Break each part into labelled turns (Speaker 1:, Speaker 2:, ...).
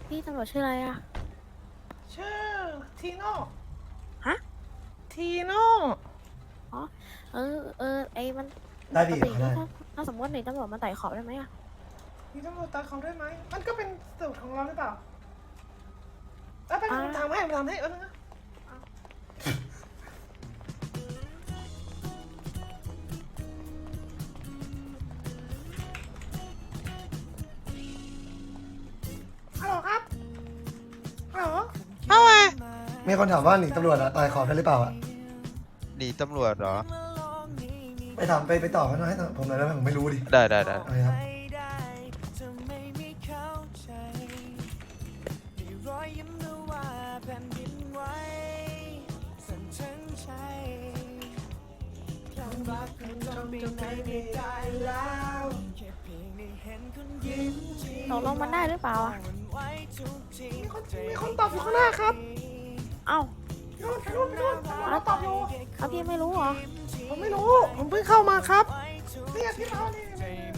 Speaker 1: พี่ตำรวจชื่ออะไรอะ
Speaker 2: ชื่อทีโน่
Speaker 1: ฮะ
Speaker 2: ทีโน่
Speaker 1: อ๋อไอ้มัน
Speaker 3: ได้
Speaker 1: ปก
Speaker 3: ดี
Speaker 1: ติ
Speaker 3: ได้
Speaker 1: ถ้าสมมติหนีตำรวจมาไต่ขอบได้ไหมอะ
Speaker 2: มีตำรวจตามเขาได้ไหมมันก็เป็นสูตรของเราหรือเปล่าไปผมทำให้นะฮัลโหลครับฮัลโหลเอาไง
Speaker 3: มีคนถามว่าหนีตำรวจอะตายขอบได้หรือเปล่าอะ
Speaker 4: หนีตำรวจเหรอ
Speaker 3: ไปถามไปต่อกันหน่อยให้ผมหน่อยได้ไหมผมไม่รู้ดิ
Speaker 4: ได้
Speaker 3: อะไรครับ
Speaker 1: ตกลงมันได้หรือเปล่าอะ
Speaker 2: มีคนตอบอยู่ข้างหน้าครับ
Speaker 1: เอ้า
Speaker 2: นู่นตอบอยู่
Speaker 1: เอาพี่ไม่รู้เหรอ
Speaker 2: ผมไม่รู้ผมเพิ่งเข้ามาครับเนี่ยที่เรานี่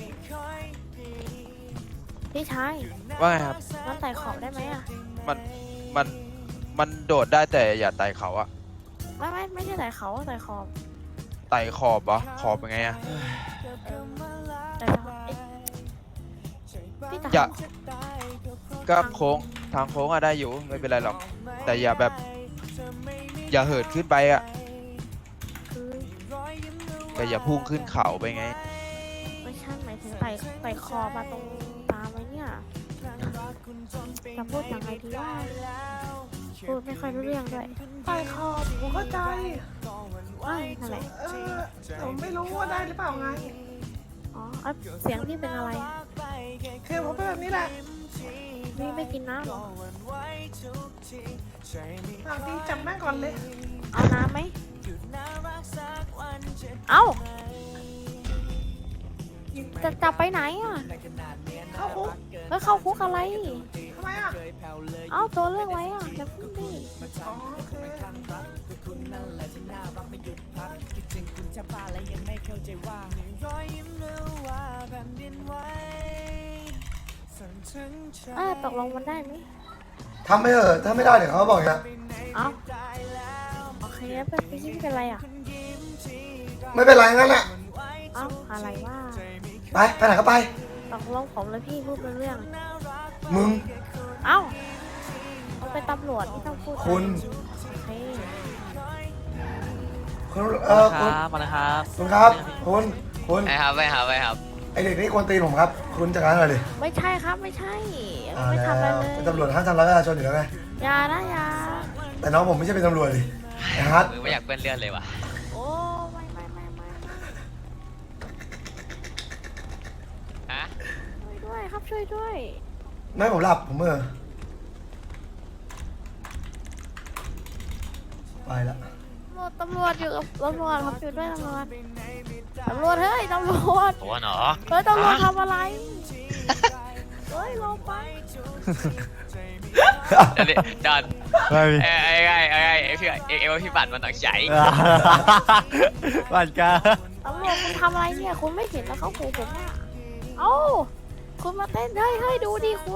Speaker 1: พี่ชาย
Speaker 4: ว่าไงครับ
Speaker 1: มันไต่ขอบได้ไหมอะ
Speaker 4: มันมันมันโดดได้แต่อย่าไต่เขาอะ
Speaker 1: ไม่ใช่ไต่เขาไต่ขอบ
Speaker 4: ไต่ขอบเหรอขอบเป็นไงอะ
Speaker 1: ไต่ขอบพี่ไต่
Speaker 4: อย่าก็โค้งทางโค้งอะได้อยู่ไม่เป็นไรหรอก แต่อย่าแบบ อย่าเหินขึ้นไปอะ
Speaker 1: คือ
Speaker 4: แต่อย่าพุ่งขึ้นเขาไปไง
Speaker 1: ไม่ใช่หมายถึงไต่ขอบมาตรงตามไว้เนี่ยจะพูดยังไงดีว่าพูดไม่ค่อยรู้เรื่องด้วย
Speaker 2: ไปขอบผมเข้าใจ
Speaker 1: นั่นแหละ
Speaker 2: ผมไม่รู้ว่าได้หรือเปล่าไง
Speaker 1: อ๋อเสียงพี่เป็นอะไร
Speaker 2: คือผมเป็นแบบนี้แหละ
Speaker 1: พี่ไม่กินน้ำเหรอ
Speaker 2: บางทีจับแม่งก่อนเลย
Speaker 1: เอาน้ำไหม เอาจะจับไปไหนอ่ะ
Speaker 2: เข้าคุก
Speaker 1: แล้วเข้าคุกอะไร
Speaker 2: ทำไมอ่ะ
Speaker 1: เอาตัวเรื่องไว้อ่ะอย่าพึ่งดิ
Speaker 2: อ๋อโอเค
Speaker 1: ตกลงมันได้ไหม
Speaker 3: ทำไม่เถอะถ้าไม่ได้เดี๋ยวเขาบอกอย่างเงี้ย
Speaker 1: เอาโอเคแล้วพี่ไม่เป็นไรอ่ะ
Speaker 3: ไม่เป็นไรงั้นแหละ
Speaker 1: เอาอะไรว่า
Speaker 3: ไปไหนก็ไป
Speaker 1: ตกลงผมเลยพี่พูดเป็นเรื่อง
Speaker 3: มึง
Speaker 1: เอาผมเป็นตำรวจไม่ต้องพูด
Speaker 3: คุณ
Speaker 1: โอเค
Speaker 3: คุณ
Speaker 5: ค
Speaker 3: คุณ
Speaker 5: รับมาเลยครับ
Speaker 3: คุณครับคุณ
Speaker 5: ไปครับ
Speaker 3: ไอเด็กนี่กวนตีนผมครับ คุณจัดการหน่อยดิ
Speaker 1: ไม่ใช่ครับไม่ใช่
Speaker 3: อ่า
Speaker 1: ไม่ทำอะไร
Speaker 3: แล้ว
Speaker 1: เลย
Speaker 3: เป็นตำรวจห้ามทำร้ายประชาชนอยู่แล้วไง
Speaker 1: อย่านะอย่า
Speaker 3: แต่น้องผมไม่ใช่เป็นตำรวจดิไอ้ฮัท
Speaker 5: มือไม่อยากเปื้อนเลือดเลยว่ะ
Speaker 1: โอ้ไม่
Speaker 5: ฮะ
Speaker 1: ช่วยด้วยครับช่วยด้วย
Speaker 3: ไม่ผมหลับผมไปละ
Speaker 1: ตำรวจอยู่กับตำรวจครับอยู่ด้วยตำรวจเฮ้ยตำรวจ
Speaker 5: โอ้หนอ
Speaker 1: เฮ้ยตำรวจทำอะไรเฮ้ยลงไป
Speaker 5: ดอนไอ้พี่บัตรมันต้องใช้
Speaker 6: บัตรกา
Speaker 1: ตำรวจคุณทำอะไรเนี่ยคุณไม่เห็นแล้วเขาขู่ผมอ่ะเอ้าคุณมาเต้นเฮ้ยดูดิคุณ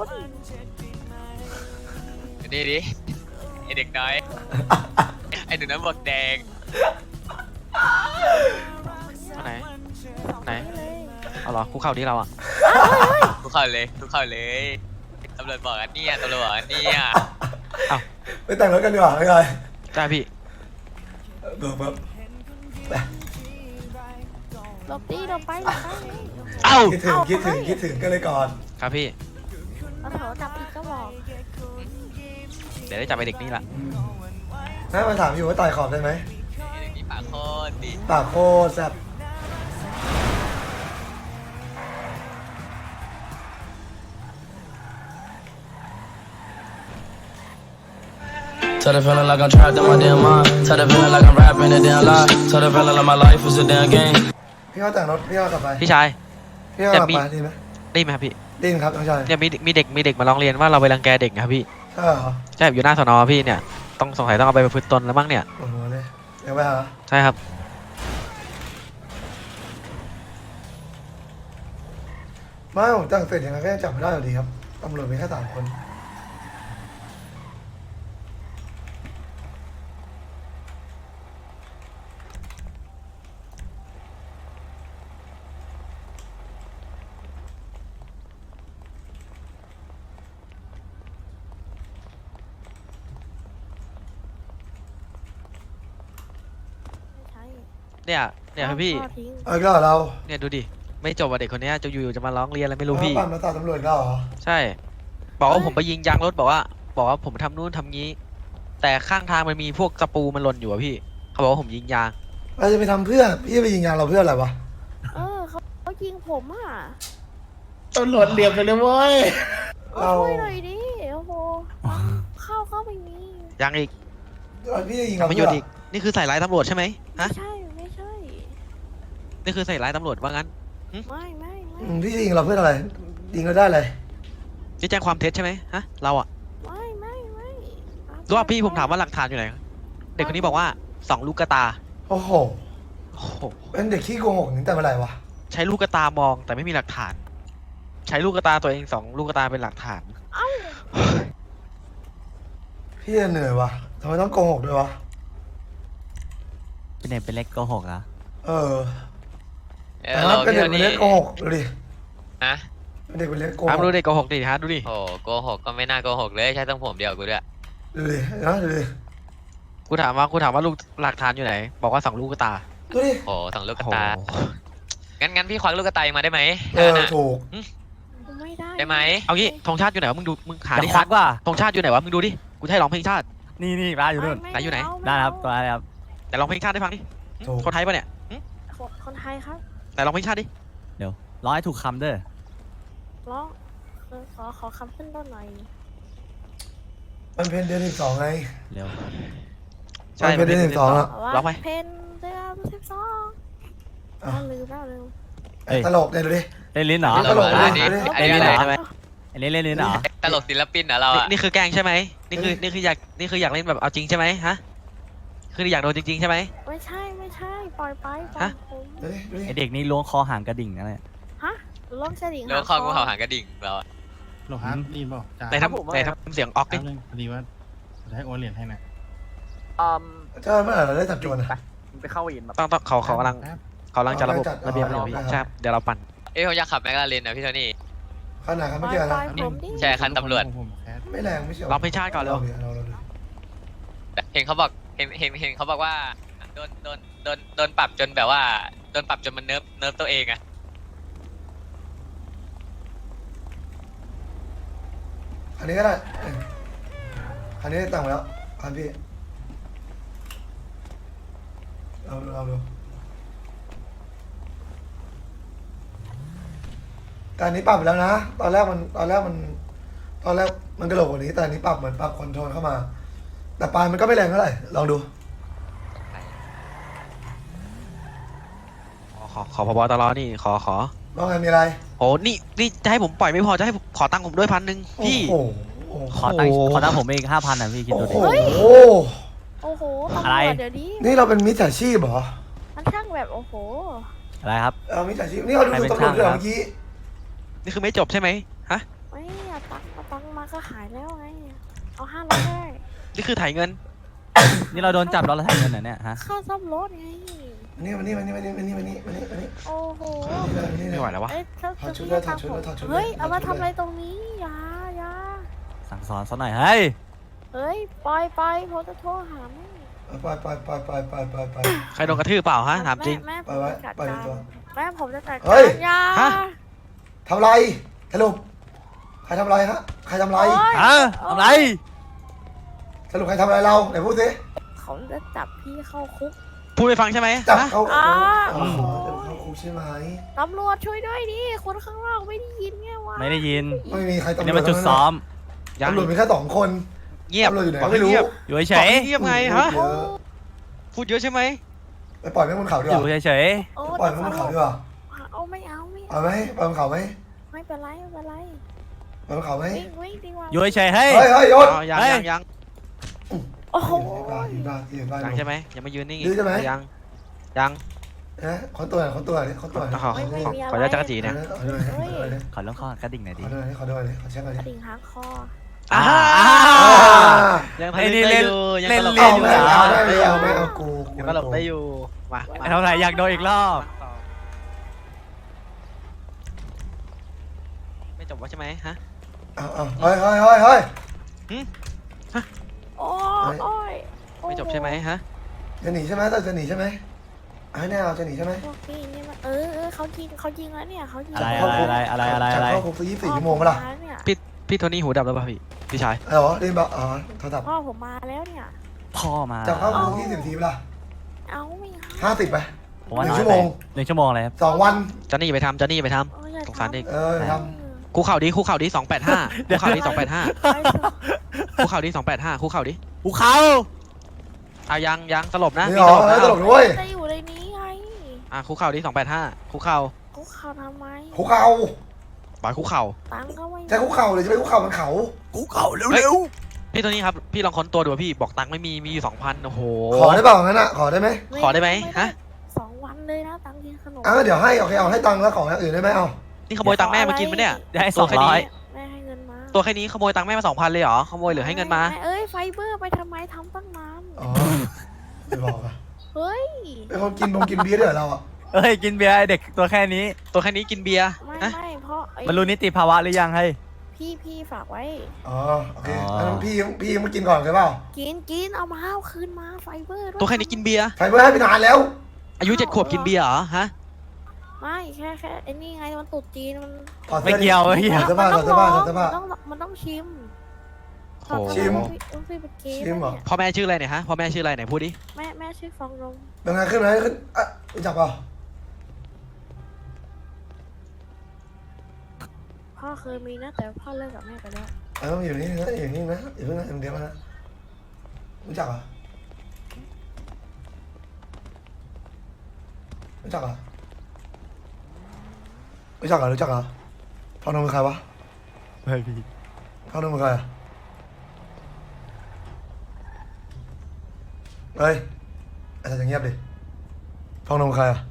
Speaker 5: นี่ดิไอเด็กน้อยไอหนูน้ำบวกแดง
Speaker 6: ไหน ไหน
Speaker 1: เลย
Speaker 6: เอาเหรอคุกเข่าที่เราอ่ะ
Speaker 5: ทุกเข้าเลยตำรวจบอกอันเนี่ยตำรวจบอกอันเนี่ย
Speaker 3: ไปแต่งรถกันดีกว่าไม่เป็นไร
Speaker 6: ได้พี่
Speaker 3: แบบ
Speaker 1: หลบดิหลบไป
Speaker 6: เอ้า
Speaker 3: คิดถึงกันเลยก่อน
Speaker 6: ครับพี่
Speaker 1: มาโถจับอีกก็บอก
Speaker 6: เดี๋ยวได้จับไปเด็กนี่ละ
Speaker 3: น้ามาถามอยู่ว่าต่อยขอบได้ไหม
Speaker 5: ไอเด็กนี่ปากโคตรดี
Speaker 3: ปากโคตรแซ่บ
Speaker 7: Tell the feeling like I'm trapped in my damn mind. Tell the feeling like I'm rapping a damn lie. Tell the feeling like my life is a damn game.
Speaker 3: พี่เขาแต่งรถพี่เขากลับไป
Speaker 6: พี่ชาย
Speaker 3: พี่เขากลับไปดีไหม
Speaker 6: ได้ไหมครับพี่
Speaker 3: ดีครับน้องชาย
Speaker 6: เนี่ยมีเด็กมาร้องเรียนว่าเราไปรังแกเด็กนะครับพี่
Speaker 3: ใช่เหรอ
Speaker 6: ใช่อยู่หน้าสนพี่เนี่ยต้องสงสัยต้องเอาไปประพฤติตนแล้วมั้งเนี่ย
Speaker 3: โอ้โหเลยเดี๋ยวไปหา
Speaker 6: ใช่ครับ
Speaker 3: ไม่ผมแต่งเสร็จยังไงก็ยังจับไม่ได้อยู่ดีครับตำรวจมีแค่3 คน
Speaker 6: เนี่ยพี่
Speaker 1: พ่อทิ้ง
Speaker 3: เอาอีกแล้วเหรอเรา
Speaker 6: เนี่ยดูดิไม่จบอ่ะเด็กคนเนี้ยจะอยู่ๆจะมาร้องเรียนอะไรไม่รู้พี่
Speaker 3: ปั่นมาตาตำรวจอีกแล้วเหรอ
Speaker 6: ใช่ บอกว่าผมไปยิงยางรถบอกว่าผมทำนู่นทำงี้ แต่ข้างทางมันมีพวกตะปูมันหล่นอยู่อะพี่เขาบอกว่าผมยิงยาง
Speaker 3: เราจะไปทำเพื่อพี่จะไปยิงยางเราเพื่ออะไรวะ
Speaker 1: เขายิงผมอ่ะ
Speaker 2: ตำรวจเหลี่ยมไปเลยเว้ย
Speaker 3: เรา
Speaker 1: ช่วยหน่อยดิโอ้โหเข้าไปนี่
Speaker 6: ยังอีก
Speaker 3: พี่จะยิง
Speaker 6: ทำ
Speaker 3: เรา
Speaker 6: ประโย
Speaker 3: เพื่อ
Speaker 6: ชน์อีกนี่คือใส่ร้ายตำรวจใช่ไหมฮะ
Speaker 1: ไม่ใช่
Speaker 6: นี่คือใส่ร้ายตำรวจว่างั้น
Speaker 1: ไม่
Speaker 3: พี่จะยิงเราเพื่ออะไรยิงเราได้เลย
Speaker 6: จะแจ้งความเท็จใช่ไหมฮะเราอะ
Speaker 1: ไม่
Speaker 6: รู้ว่าพี่ผมถามว่าหลักฐานอยู่ไหนเด็กคนนี้บอกว่า2 ลูกกระตา
Speaker 3: โอ้โห
Speaker 6: โอ้โห
Speaker 3: เป็นเด็กขี้โกหกตั้งแต่เมื่อไหร่วะ
Speaker 6: ใช้ลูกกระตามองแต่ไม่มีหลักฐาน ใช้ลูกกระตาตัวเอง2 ลูกกระตาเป็นหลักฐาน
Speaker 3: พี่จะเหนื่อยวะทำไมต้องโกหกด้วยวะ
Speaker 8: เป็นเด็กเป็นเล็กโกหกเหรอ
Speaker 3: เออ แต่
Speaker 5: เรา
Speaker 3: ถ้าเป็น
Speaker 5: พี่
Speaker 3: เด็ก
Speaker 5: โท
Speaker 3: เป็น
Speaker 5: นี่
Speaker 3: เล็กโกหกดูดิ
Speaker 5: ฮะ
Speaker 3: เป็นเด็กเป็นเล็กโกห
Speaker 6: อ้าว
Speaker 3: ก
Speaker 6: ดูเด็กโกหกดิฮะดูดิ
Speaker 5: โอ้โกหกก็ไม่น่าโกหกเลยใช้ต้องผมเดียวกูด้วย
Speaker 3: ดูดินะดูดิ
Speaker 6: กูถามว่าลูกหลักฐานอยู่ไหน บอกว่า2 ลูกกระตา
Speaker 3: ดูดิ
Speaker 5: โอ้สองลูกก
Speaker 6: โอ้
Speaker 5: ระ
Speaker 6: โห
Speaker 5: ตางั้นพี่ควักลูกกระตายมาได้ไหม
Speaker 3: เออถูก
Speaker 1: ไม่ได้
Speaker 5: ได้ไหม
Speaker 6: เอางี้ธงชาติอยู่ไหนวะมึงดูมึงหา
Speaker 8: จะ
Speaker 6: ดิ
Speaker 8: ควักว่า
Speaker 6: ธงชาติอยู่ไหนวะมึงดูดิกูจะให้ร้องเพลงชาติ
Speaker 8: นี่ร้านอยู่นู่น
Speaker 6: ไหนอยู่ไหน
Speaker 8: ได้ครับตัวอะไรครับ
Speaker 6: แต่ร้องเพลงชาติได้ฟังดิ
Speaker 3: ถูก
Speaker 6: คนไทยปะเนี่ย
Speaker 1: คนไทยครับ
Speaker 6: ไหนร้องเพลงชาติดิ
Speaker 8: เดี๋ยวร้องให้ถูกคำเด้อ
Speaker 1: ร้องขอคำขึ้นต้นหน่อย
Speaker 3: มันเป็นเดือน12ไง
Speaker 8: เร็ว
Speaker 6: ใช่
Speaker 3: มันเป็นเดือน12แล้ว
Speaker 6: ร้องไหม
Speaker 1: เพนเดือน12
Speaker 3: อ่ะ
Speaker 1: ลืม
Speaker 8: เอ้ย
Speaker 3: ตลกเนี่ยดูดิ
Speaker 8: เล่นลิ้นเหรอ
Speaker 3: ตลก
Speaker 5: อันนี้
Speaker 3: เลย
Speaker 5: อันนี้อะไร
Speaker 6: ใช่ไหม
Speaker 8: อันนี้เล่นลิ้นเหรอ
Speaker 5: ตลกศิลปินเหรอเรา
Speaker 6: นี่
Speaker 5: อะ
Speaker 6: นี่คือแกล้งใช่ไหมนี่คืออยากเล่นแบบเอาจริงใช่ไหมฮะคืออยากโดนจริงๆใช่ไหม
Speaker 1: ไม่ใช่ปล่อยไปปล่อย
Speaker 6: ฮะ
Speaker 1: ผม
Speaker 3: ดูดิดูดิ
Speaker 8: ไอเด็กนี่ล้วงคอหางกระดิ่งนะเนี่ย
Speaker 1: ฮะล้มเฉลิง
Speaker 5: แล้วข้อกูเห่าหางกระดิ่งเราอะ
Speaker 9: โลฮาร์ดดีนเปล่าจ้า
Speaker 6: ไหนทำเสียงออกดิ
Speaker 9: แป๊บนึงพอดีว่าจะให้โอนเหรียญให้นะ
Speaker 3: เจ้าเมื่อไหร่เราได้จับโจรอ่ะ
Speaker 6: ต้องเขากำลังจะระบบระเบียบระเบียบใช่เดี๋ยวเราปั่น
Speaker 5: ผมอยากขับแมคลาเรนนะพี่โทนี่
Speaker 3: ขนาดครับ
Speaker 1: ป
Speaker 3: ไม่
Speaker 1: ล่อย
Speaker 3: เกี่ยว
Speaker 1: ปล่
Speaker 3: นะ
Speaker 1: อยผมดิ
Speaker 5: ใช่คันตำรวจ
Speaker 9: ผมแคส
Speaker 3: ไม่แรงไม่เชียว
Speaker 6: ร้องเพลงชาติก่อนเร็ว
Speaker 5: เห็นเขาบอกเห็นเขาบอกว่าโดนปรับจนแบบว่าโดนปรับจนมันเนิร์ฟตัวเองอะ
Speaker 3: อันนี้ก็ได้อันนี้ได้ตังค์แล้วอันพี่เราดูแต่อันนี้ปรับไปแล้วนะตอนแรกมันกระโหลกกว่านี้แต่อันนี้ปรับเหมือนปรับคอนโทรลเข้ามา แต่ปลายมันก็ไม่แรงเท่าไหร่ลองดู
Speaker 6: ขอพบตรนี่ขอ
Speaker 3: ว่าไงมีอะไร
Speaker 6: โอ้นี่จะให้ผมปล่อยไม่พอจะให้ขอตังค์ผมด้วย1,000พี่
Speaker 3: โอ้โห
Speaker 8: ขอตั้งผมอีก5,000อ่ะพี่คิด
Speaker 3: โอ้
Speaker 8: ดู
Speaker 3: โห
Speaker 8: ดิ
Speaker 1: โอ้โหตำ
Speaker 8: อะไร
Speaker 1: รวจเดี๋ยวนี้
Speaker 3: นี่เราเป็นมิจฉาชีพเหรอ
Speaker 1: มันช่างแบบโอ้โห
Speaker 8: อะไรครับ
Speaker 3: เอามิจฉาชีพนี่เราดูตำรวจด้วยเหรอเมื่อกี้
Speaker 6: นี่คือไม่จบใช่ไหมฮะ
Speaker 1: ไม่เอาตังค์มาก็หายแล้วไงเอา500ได้
Speaker 6: นี่คือถ่ายเงิน
Speaker 8: นี่เราโดนจับแล้วเราถ่ายเงินเหรอเนี่ยฮะ
Speaker 1: ค่าซ่อมรถไง
Speaker 3: นี่มานี่
Speaker 1: โอ้โห
Speaker 6: ไม่ไหวแล้ววะ
Speaker 1: เอ้ยถ้า
Speaker 3: ถอดชุดเลยถอดชุดเลยถอดชุดเลย
Speaker 1: เฮ้ยเอามา
Speaker 3: ถอดชุดเลย
Speaker 1: ทำอะไรตรงนี้อย่า
Speaker 8: สั่งสอนซะหน่อยเฮ้ย
Speaker 1: เฮ้ยปล่อยผมจะโทรหาแม่
Speaker 3: ไป
Speaker 6: ใครโดนกระทืบเปล่าฮะถามจริง
Speaker 1: แม่
Speaker 3: ไปไว้
Speaker 1: ผมจะจัด
Speaker 3: ไปใน
Speaker 1: การ
Speaker 3: ตัว
Speaker 1: แม่ผมจะจัด
Speaker 3: เฮ้
Speaker 1: การ
Speaker 3: ย
Speaker 1: อย่า
Speaker 6: ฮะ
Speaker 3: ทำไรสรุปใครทำไรฮะใครทำไร
Speaker 1: โอ๊ย
Speaker 8: ฮะทำไร
Speaker 3: สรุปใครทำอะไรเราไหนพูดสิ
Speaker 1: เขาจะจับพี่เข้าคุก
Speaker 6: พูดไปฟังใช่ไหม
Speaker 3: จับ
Speaker 6: ฮะ
Speaker 3: เขา
Speaker 1: อ่า
Speaker 3: จับเขาคุกใช่ไหม
Speaker 1: ตำรวจช่วยด้วยดิคนข้างนอกไม่ได้ยินไงวะ
Speaker 8: ไม่ได้ยิน
Speaker 3: ไม่มีใครตำรวจ
Speaker 8: นี่มันจุดซ้อม
Speaker 6: ยัง
Speaker 3: ตำรวจมีแค่2 คน
Speaker 6: เงียบ
Speaker 3: ตำรวจอยู่ไหน
Speaker 6: บอก
Speaker 3: ไม่รู้
Speaker 6: เงียบ
Speaker 8: อยู่เฉ
Speaker 6: บอก
Speaker 8: ย
Speaker 6: ให้เงียบไงฮะ
Speaker 3: เยอะ
Speaker 6: พูดเยอะใช่ไหม
Speaker 3: ไปปล่อยแม่งบนเขาดี
Speaker 8: ๆ
Speaker 3: ก
Speaker 8: อ
Speaker 3: ว่า
Speaker 8: ยู่เฉย
Speaker 1: โอ้
Speaker 3: ปล่อยแม่งบนเขาดีกว่า
Speaker 1: เอาไม่เอา
Speaker 3: เอาไหมปล่อยบนเขาไหม
Speaker 1: ไม่เป็นไร
Speaker 3: ปล่อยบนเขาไหม
Speaker 1: วิ่งดีกว่า
Speaker 8: ๆอยู่เฉยๆเฮ้ย
Speaker 3: เฮ้ยโยน
Speaker 6: อ๋อยัง
Speaker 8: เฮ้ย
Speaker 6: ยัง
Speaker 1: โอ้โห
Speaker 3: ยืนบ้าน
Speaker 6: ยังใช่ไหมยังไม่ยืนนิ่ง
Speaker 3: ยืนใช่ไหม
Speaker 6: ยัง
Speaker 3: นะขอตัวหน่อยขออนุญาต
Speaker 6: จักรจีเนี่ย
Speaker 8: ขอลองคอกระดิ่งหน่อยดิ
Speaker 3: ขอเช็คหน่อย
Speaker 1: กระดิ่งหางคอ
Speaker 6: อ่า
Speaker 8: ยั
Speaker 6: ยัง ง
Speaker 8: ไอ้นี่
Speaker 6: ทำ
Speaker 8: เล่น
Speaker 6: อยู่ยัง
Speaker 8: เล่น
Speaker 6: ตลก
Speaker 8: เล่
Speaker 6: ได้
Speaker 8: น
Speaker 6: อยู่
Speaker 3: ไม่เอากู
Speaker 6: ยังตลกได้อยู่มา
Speaker 8: ไอ้เท่าไหร่อยากโดนอีกรอบ
Speaker 6: ไม่จบว่าใช่ไหมฮะ
Speaker 3: เฮ้ย
Speaker 1: โอ้ย
Speaker 6: ไม่จบใช่ไหมฮะ
Speaker 3: จะหนีใช่ไหมจะหนีใช่ไหมให้แน่เราจะหนีใช่ไหม
Speaker 1: พวกพี่นี่มันเขายิงแล้วเนี่ยเขายิง
Speaker 8: อะไร
Speaker 3: จะเข้าคุกสัก24 ชั่วโมงปะล่ะ
Speaker 1: เนี่ย
Speaker 6: พี่โทนี่หูดับแล้วป่ะพี่ชาย
Speaker 3: เหรอเรียนบอกโทรศัพท์
Speaker 1: พ่อผมมาแล้วเนี่ย
Speaker 8: พ่อมา
Speaker 3: จะเข้าคุก20 นาทีปะล่ะ
Speaker 1: เอาไม่เอา
Speaker 3: 50ไป
Speaker 8: ผมว่า
Speaker 3: 1
Speaker 8: น้อย
Speaker 3: ชั่ว
Speaker 8: ไป
Speaker 3: โมง
Speaker 8: 1 ชั่วโมงเลยครับ
Speaker 3: 2 วัน
Speaker 6: จอนนี่ไปทำ
Speaker 1: อย่า
Speaker 6: สงสารเด็ก
Speaker 1: ทำ
Speaker 3: ท
Speaker 6: คู่เข่าดิ285คู่เข่าดิ285
Speaker 1: ไปเถอะ
Speaker 6: คู่เข่าดิ285คู่เข่าดิ
Speaker 8: ภูเขา
Speaker 6: เอายังสลบ
Speaker 3: ำ
Speaker 6: นะ
Speaker 3: นี่
Speaker 6: มี
Speaker 3: เหรอ
Speaker 6: สลบนะ
Speaker 3: ตลกด้วย
Speaker 1: จะอยู่ในนี้ไง
Speaker 6: คู่เข่าดิ285คู่เข่า
Speaker 1: คุกเขาทำไม
Speaker 3: คุกเข่า
Speaker 6: ปล่อยคู่เข่า
Speaker 1: ตังค์ก็ไม่มี
Speaker 3: จะคุกเข่าหรือจะไปคุกเข่ามันเขา
Speaker 8: ภูเขาเร็ว
Speaker 6: พี่โทนี่ครับพี่ลองค้นตัวดูพี่บอกตังค์ไม่มีอยู่ 2,000โอ้โห
Speaker 3: ขอได้เปล่างั้นอ่ะขอได้ไหม
Speaker 6: ขอได้ไหมฮะ
Speaker 1: 2 วันเลยนะตังค์กินขนม
Speaker 3: เดี๋ยวให้โอเคเอาให้ตังค์แล้วของอย่างอื่นได้ไหมเอา
Speaker 6: นี่ขโมยตังค์แม่มากินปะเนี่ย
Speaker 8: ๆได้
Speaker 6: ตัวแค่นี้
Speaker 8: 200
Speaker 1: แม่ให้เงินมา
Speaker 6: ตัวแค่นี้ขโมยตังค์แม่มา 2,000เลยเหรอขโมยหรือให้เงินมา
Speaker 1: เอ้ยไฟเบอร์ไปทำไมทำตั้งนาน
Speaker 3: อ๋อไม่บอกอ่ะ
Speaker 1: เฮ้ย
Speaker 3: เป็นคนกินเบียร์ด้วยเหรอเราอ่ะ
Speaker 8: เอ้ยกินเบียร์ไอ้เด็กตัวแค่นี้
Speaker 6: ตัวแค่นี้กินเบียร์
Speaker 1: ไม่
Speaker 6: ฮะ
Speaker 1: ไม่เพราะไอ้
Speaker 8: มันรู้นิติภาวะหรือยังให้
Speaker 1: พี่ฝากไว้
Speaker 3: อ๋อโอเค
Speaker 8: อ๋อ
Speaker 3: งั้นพี่มากินก่อนใช่เปล่า
Speaker 1: กินเอามาเอาคืนมาไฟเบอร์ด้วย
Speaker 6: ตัวแค่นี้กินเบียร์
Speaker 3: ไฟเบอร์ให้ไปนานแล้ว
Speaker 6: อายุ7 ขวบกินเบียร์เหรอฮะ
Speaker 1: ไม่แค่ไอ้นี่ไงมันตุดจีนมัน
Speaker 3: ถอด
Speaker 8: ไม่
Speaker 3: สื้อดิ
Speaker 8: เกี่ยวไม่เกี่ยว
Speaker 3: ถอดเสื้อผ้าถอดเสื้อผ้าถอดเสื้อผ้า
Speaker 1: มันต้องชิม
Speaker 6: โอ้โห
Speaker 3: ชิม
Speaker 1: ต้องไปเป็นเกม
Speaker 3: ชิมเหรอ
Speaker 6: พ่อแม่ชื่ออะไรเนี่ยฮะพ่อแม่ชื่ออะไรไหนพูดดิ
Speaker 1: แม่ชื่อฟองนม
Speaker 3: เป็นไงขึ้นไหมขึ้นรู้จักเปล่า
Speaker 1: พ่อเคยมีนะแต่พ่อเลิกกับแม่ไปแล้ว
Speaker 3: ต้องอยู่นี่นะอยู่นี่นะอย่าเพิ่งนะเดี๋ยวนะรู้จักเหรอรู้จักเหรอพ่อน้องเป็นใครวะ
Speaker 8: เฮ้ยพี่
Speaker 3: พ่อน้องเป็นใครอ่ะเฮ้ยอาจารย์จะเงียบดิพ่อน้องเป็นใครอ่ะ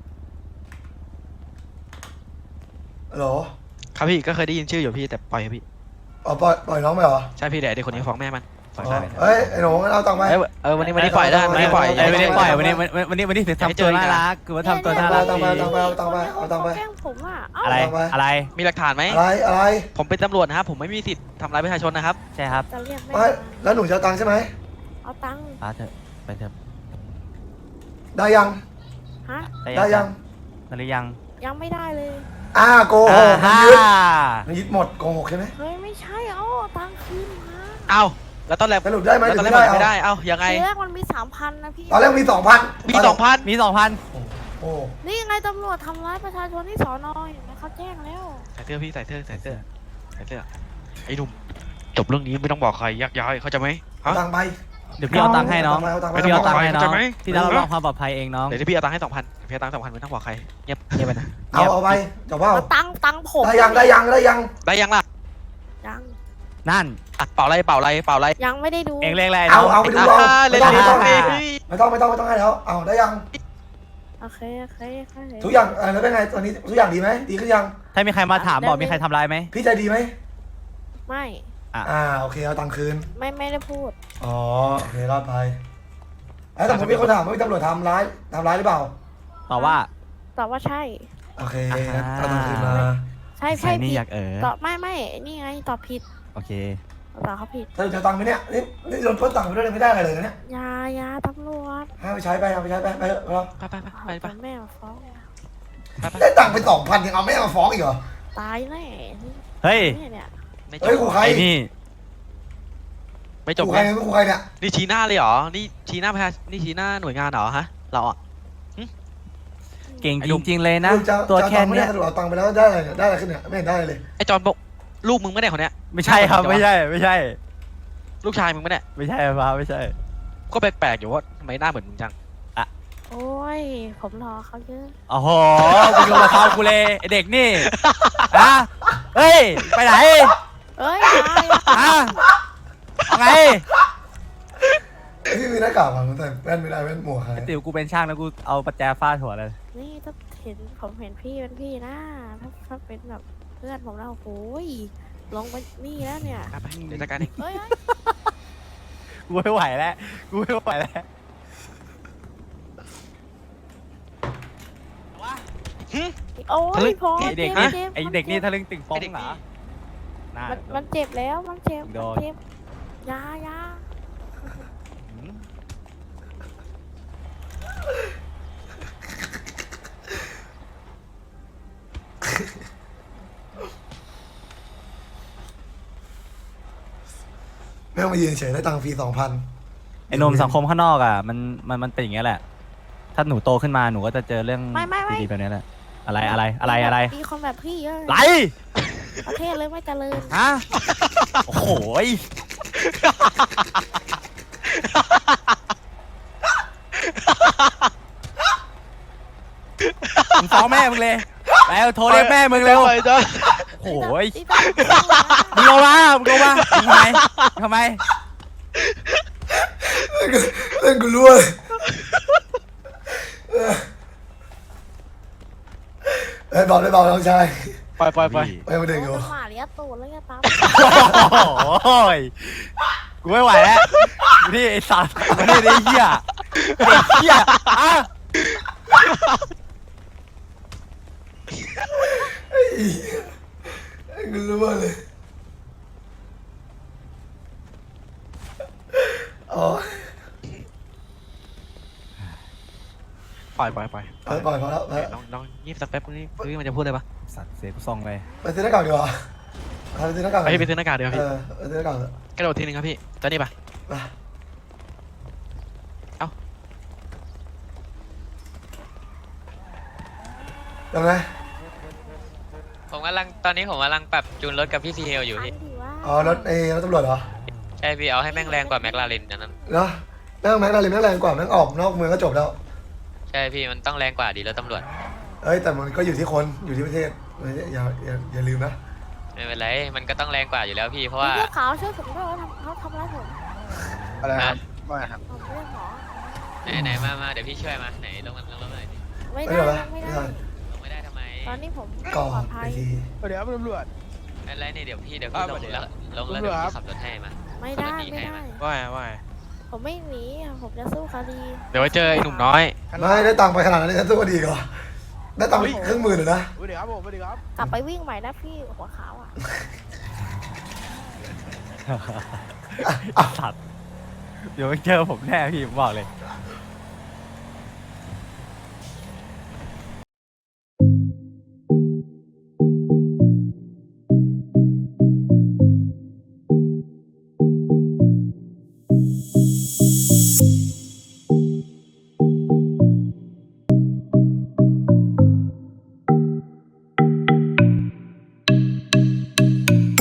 Speaker 3: ฮัลโหล
Speaker 6: ครับพี่ก็เคยได้ยินชื่ออยู่พี่แต่ปล่อยพี่
Speaker 3: ปล่อยน้องไปเหรอ
Speaker 6: ใช่พี่เดี๋ยวเด็กคนนี้ฟ้องแม่มันปล่อย
Speaker 3: อ๋อ
Speaker 6: ไป
Speaker 3: เฮ้ยไอ้หนูงั้นเอาตังค์ไป
Speaker 6: วันนี้ปล่อยได้วันนี้ปล่อย
Speaker 8: วันนี้ปล่อยวันนี้ถึงทำตัวน่ารักคือว่าทำตัวน่ารัก
Speaker 3: เอาตังค์ไปเอาตังค์ไปเอาตังค์ไป
Speaker 1: แกล้งผมอ่ะเอ้า
Speaker 8: อะไรอะไร
Speaker 6: มีหลักฐานไหม
Speaker 3: อะไร
Speaker 6: ผมเป็นตำรวจนะครับผมไม่มีสิทธิ์ทำร้ายประชาชนนะครับ
Speaker 8: ใช่ครับ
Speaker 1: จะเรียกแม่
Speaker 3: ไม่แล้วหนูจะเอาตังค์ใช่ไหม
Speaker 1: เอาตังค์
Speaker 8: ป้าเถอะไปเถอะ
Speaker 3: ได้ยัง
Speaker 1: ฮะ
Speaker 3: ได้ยัง
Speaker 8: หรือยัง
Speaker 1: ยังไม่ได้เลย
Speaker 3: โกหกมันยึดหมดโกหกใช่ไหม
Speaker 1: เฮ้ยไม่ใช่เอาตังค์คืนมา
Speaker 6: เอ้าแล้วตอนแรก
Speaker 3: สรุปได้ไหม
Speaker 6: แล้ว
Speaker 3: ห
Speaker 6: ต
Speaker 3: รือ
Speaker 6: อนแร
Speaker 3: ไม่
Speaker 6: ก
Speaker 3: ได้
Speaker 6: ไม่
Speaker 3: เอา
Speaker 6: ได้เอ้ายังไง
Speaker 1: ทีแรกมันมี 3,000นะพี่
Speaker 3: ตอนแรกมี 2,000
Speaker 6: มี 2,000
Speaker 8: มี 2,000
Speaker 3: โอ้
Speaker 1: นี่ไงตำรวจทำร้ายประชาชนที่สอนเห็นไหมเขาแจ้งแล้ว
Speaker 6: ใส่เสื้อพี่ใส่เสื้อไอ้หนุ่มจบเรื่องนี้ไม่ต้องบอกใครยักย้ายเข้าใจไหม
Speaker 3: เอาตังค์ไป
Speaker 8: เดี๋ยวพี่เอาตังค์ให้น้อง
Speaker 3: เอาตังค์ไป
Speaker 8: เดี๋ยวพี่เอาตังค์ให้น้อง
Speaker 6: เข้าใจไหม
Speaker 8: พี่รับรองความปลอดภัยเองน้อง
Speaker 6: เดี๋ยวพี่เอาตังค์ให้ 2,000พี่เอาตังค์2,000ไม่ต้องบอกใครเงียบไปนะ
Speaker 3: เอาไปจบเปล่า
Speaker 1: เอาตังค์ผม
Speaker 3: ได้ยัง
Speaker 6: ได้ยังล่ะ
Speaker 1: ยัง
Speaker 8: นั่น
Speaker 6: เป่าอะไร
Speaker 1: ยังไม่ได้ดู
Speaker 8: เองเรียกอะไร
Speaker 3: เอาไปดูเอา
Speaker 6: เล่น
Speaker 3: ไม่ต้อง
Speaker 6: เลย
Speaker 3: ไม่ต้องให้แล้วเอาได้ยัง
Speaker 1: โอเค
Speaker 3: ทุกอย่างแล้วเป็นไงตอนนี้ทุกอย่างดีไหมดีขึ้นยัง
Speaker 8: ถ้ามีใครมาถามบอกมีใครทำร้ายไหม
Speaker 3: พี่ใจดีไหม
Speaker 1: ไม่
Speaker 3: โอเคเอาตังค์คืน
Speaker 1: ไม่ได้พูด
Speaker 3: อ๋อโอเครอดไปแต่ผมมีคนถามว่ามีตำรวจทำร้ายหรือเปล่า
Speaker 8: ตอบว่า
Speaker 1: ตอบว่าใช่
Speaker 3: โอเคเอาตังค์คืนมา
Speaker 1: ใช่
Speaker 8: ใส่นี่
Speaker 1: ผิด
Speaker 8: อยาก
Speaker 1: ตอบไม่นี่ไงตอบผิด
Speaker 8: โอเค
Speaker 1: ตอบเขาผิด
Speaker 3: ถ้าจะตังค์ไหมเนี่ยนี่โดนพ้นตังค์ไปด้วยไม่ได้อะไรเลยนะเนี่ย
Speaker 1: ยาตำรวจ
Speaker 3: ให้ไปใช้ไปเอาไปใช้ไปเถอะเรา
Speaker 6: ไป
Speaker 1: แม่มาฟ้อง
Speaker 3: ได้ตังค์ไป2,000ยังเอาแม่มาฟ้องอีกเหรอ
Speaker 1: ตายแน่
Speaker 8: เฮ้ย
Speaker 1: เนี่ย
Speaker 6: ไม่จ
Speaker 3: เฮ้ย
Speaker 6: บ
Speaker 3: ขู่ใคร
Speaker 8: ไอ้นี่
Speaker 6: ไม่จบ
Speaker 3: ขู่ใครขู่ใครเนี่ย
Speaker 6: นี่ชี้หน้าเลยเหรอนี่ชี้หน้าประชานี่ชี้หน้าหน่วยงานเหรอฮะเราอ่ะ
Speaker 8: เก่งจริงๆเลยนะ
Speaker 3: ลูกจะ
Speaker 8: ตัวแค่
Speaker 3: ไม่
Speaker 8: เนี้
Speaker 3: ได้
Speaker 8: ย
Speaker 3: สรุปเอาตังค์ไปแล้วได้อะไรขึ้นเนี่ยไม่เห็นได้เลย
Speaker 6: ไอ้จอนบอกลูกมึงไม่ได้คนเนี้ย
Speaker 8: ไม่ใช่ครับไม่ใช่
Speaker 6: ลูกชายมึงไม่ได้
Speaker 8: ไม่ใช่ป้าไม่ใช่
Speaker 6: ก็แปลกๆอยู่ว่าทำไมหน้าเหมือนมึงจัง
Speaker 1: โอ้ยผมรอเขาเยอะ
Speaker 8: โอ้โหมึงโยนมาเท้ากูเลยไอ้เด็กนี่ฮะเฮ้ยไปไหน
Speaker 1: เอ้ย
Speaker 8: ฮะเอาไง
Speaker 3: พี่มีหน้ากากมันแต่แว่นไม่ได้แว่นหมวกใคร
Speaker 8: ติ๋วกูเป็นช่างแล้วกูเอาประแจฟาดหัวเลย
Speaker 1: นี่ถ้าผมเห็นพี่เป็นพี่นะถ้าเป็นแบบเพื่อนผมแล้วโอ้ยลงไปนี่แล้วเนี่ย
Speaker 6: ไปเดี๋ยวจัดการเอง
Speaker 1: เฮ้ย
Speaker 8: กูไม่ไหวแล้วกูไม่ไหวแล้ว
Speaker 1: โอ้ยพอ
Speaker 8: ไอเด็ก
Speaker 1: จ็
Speaker 8: นี่
Speaker 1: บ
Speaker 8: ไอเด็กนี่ทะลึ่งติ่งฟองเหรอน่า
Speaker 1: มันเจ็บแล้วมันเจ็บ
Speaker 8: โดน
Speaker 1: ยา
Speaker 8: หืม
Speaker 3: ไม่ต้องมายืนเฉยได้ตังค์ฟรี2,000
Speaker 8: ไอ้หนมสังคมข้างนอกอ่ะมันเป็นอย่างเงี้ยแหละ ถ้าหนูโตขึ้นมาหนูก็จะเจอเรื่อง
Speaker 1: ไม่
Speaker 8: ดีๆแบบเนี้ยแหละอะไร
Speaker 1: มีคนแบบพี่เยอะ
Speaker 8: ไร
Speaker 1: ประเทศเลยไม่เจริญ
Speaker 8: ฮะโอ้โหยมึงฟ้องแม่มึงเลยแล้วโทรเรียกแม่มึงเร็ว
Speaker 4: ไปจ้ะ
Speaker 8: โอ้ย
Speaker 1: นี่ต้อง
Speaker 8: มึงลงมาทำไม
Speaker 3: เล่นกูรู้เลยบอกได้บอกน้องชาย
Speaker 4: ไป
Speaker 3: ไปมาเด็กอยู่
Speaker 1: หมาเลี้ยตูดแล้วไงปั๊ม
Speaker 8: โอ้ยกูไม่ไหวแล้วนี่ไอ้สัตว์มานี่ไอ้เหี้ยอ่ะ
Speaker 3: กูรู้เลยอ๋อ
Speaker 6: ปล่อย
Speaker 3: ปล่อยพอแล้วไป
Speaker 6: ลองยีบสักแป๊บนี่พี่มันจะพูดอะไรปะ
Speaker 8: สัตว์เสียกูซ่องเลย
Speaker 3: ไปซื้อหน้ากากดีกว่าไปซื้อหน้ากาก
Speaker 6: ไปซื้อหน้ากากเดียวพี่
Speaker 3: ไปซื้อหน้ากาก
Speaker 6: กระโดดทีนึงครับพี่ตอนนี้ปะ
Speaker 3: ยังไง
Speaker 5: ตอนนี้ผมกำลังปรับจูนรถกับพี่ซีเฮลอยู่
Speaker 1: อัน
Speaker 5: พี่
Speaker 1: ดีว่า
Speaker 3: อ๋อรถรถตำรวจเหรอ
Speaker 5: ใช่พี่เอาให้แม่งแรงกว่าแมคลาเรนอันนั้น
Speaker 3: เนาะแม่งดารินแม่งแรงกว่าแม่งออกนอกเมืองก็จบแล้ว
Speaker 5: ใช่พี่มันต้องแรงกว่าดีรถตำรวจ
Speaker 3: เอ้ยแต่มันก็อยู่ที่คนอยู่ที่ประเทศอย่าลืมนะ
Speaker 5: ไม่เป็นไรมันก็ต้องแรงกว่าอยู่แล้วพี่เพราะว่า
Speaker 1: เสื้อขาวช่วยผมด้วยว่าเขาทำร้ายผม
Speaker 4: อะไรครับว่าครับ
Speaker 1: ผมเรื่องหมอ
Speaker 5: ไหนมาเดี๋ยวพี่ช่วยมาไหนลงหน่อยดิ
Speaker 1: ไม่
Speaker 3: ไม่
Speaker 1: ได้
Speaker 3: เหรอ
Speaker 1: ไม่
Speaker 3: ไม่
Speaker 1: ได้
Speaker 3: ได้
Speaker 5: ลงไม่ได้ทำไม
Speaker 1: ตอนนี้ผม
Speaker 3: ก่อ
Speaker 1: ปลอดภั
Speaker 3: ไป
Speaker 1: ย
Speaker 3: ที
Speaker 4: เดี๋ยวตำรวจ
Speaker 5: ไม่เป็นไรนี่เดี๋ยวพี่ลง
Speaker 4: อ่า
Speaker 5: แล้ว
Speaker 4: เดี๋ยว
Speaker 5: ลงแล้ว
Speaker 4: ตำร
Speaker 5: เดี๋ยว ว
Speaker 4: จครับ
Speaker 5: พี่ขับรถให้มา
Speaker 1: ไม่ได้
Speaker 5: ขับรถหนี
Speaker 1: ไม่
Speaker 5: ให้
Speaker 1: ได้
Speaker 5: มา
Speaker 4: ว่า
Speaker 1: ผมไม่หนีผมจะสู้คดี
Speaker 6: เดี๋ยวไว้เจอไอ้หนุ่มน้อย
Speaker 3: ไม่ได้ตังค์ไปขนาดนั้นเลยฉันสู้ก็ดีกว่าได้ตังค์ไป1,000,000เลยนะ
Speaker 4: สวัสดีครับผมสวัสดีครับ
Speaker 1: กลับไปวิ่งใหม่นะพี่หัวขาวอ่ะ
Speaker 8: สัตว์เดี๋ยวไม่เจอผมแน่พี่ผมบอกเลย